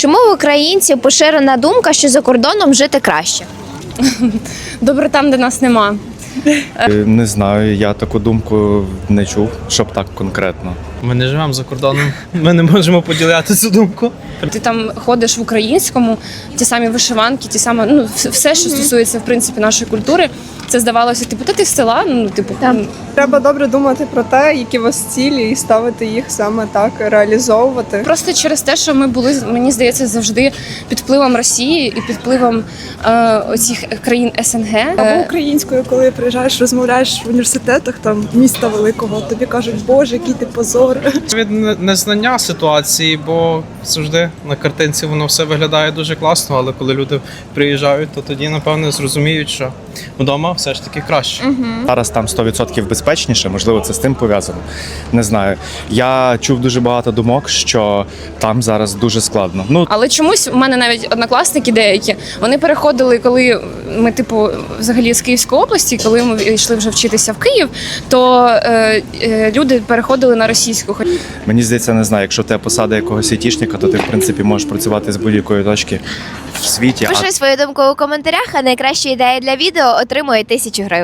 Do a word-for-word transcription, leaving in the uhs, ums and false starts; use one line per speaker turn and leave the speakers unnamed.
Чому в українців поширена думка, що за кордоном жити краще?
Добре там, де нас нема.
Не знаю, я таку думку не чув, щоб так конкретно.
Ми не живемо за кордоном, ми не можемо поділяти цю думку.
Ти там ходиш в українському, ті самі вишиванки, ті самі, ну, все, що стосується, в принципі, нашої культури, це здавалося, типу, та ти з села, ну, типу,
Так.
Треба добре думати про те, які у вас цілі, і ставити їх саме так, реалізовувати.
просто через те, що ми були, мені здається, завжди під впливом Росії і під впливом е, оцих країн СНГ.
Або українською, коли приїжджаєш, розмовляєш в університетах там міста великого, тобі кажуть, боже, який ти позор.
Від не- незнання ситуації, бо завжди на картинці воно все виглядає дуже класно, але коли люди приїжджають, то тоді, напевно, зрозуміють, що вдома все ж таки краще.
Зараз там сто відсотків безпечніше, можливо, це з тим пов'язано. Не знаю. Я чув дуже багато думок, що там зараз дуже складно. Ну,
Але чомусь у мене навіть однокласники деякі, вони переходили, коли ми, типу, взагалі з Київської області, коли ми йшли вже вчитися в Київ, то е, е, люди переходили на російську.
мені здається, не знаю, якщо тебе посада якогось айтішника, то ти, в принципі, можеш працювати з будь-якої точки в світі.
Пиши свою думку у коментарях, а найкраща ідея для відео отримує тисячу гривень.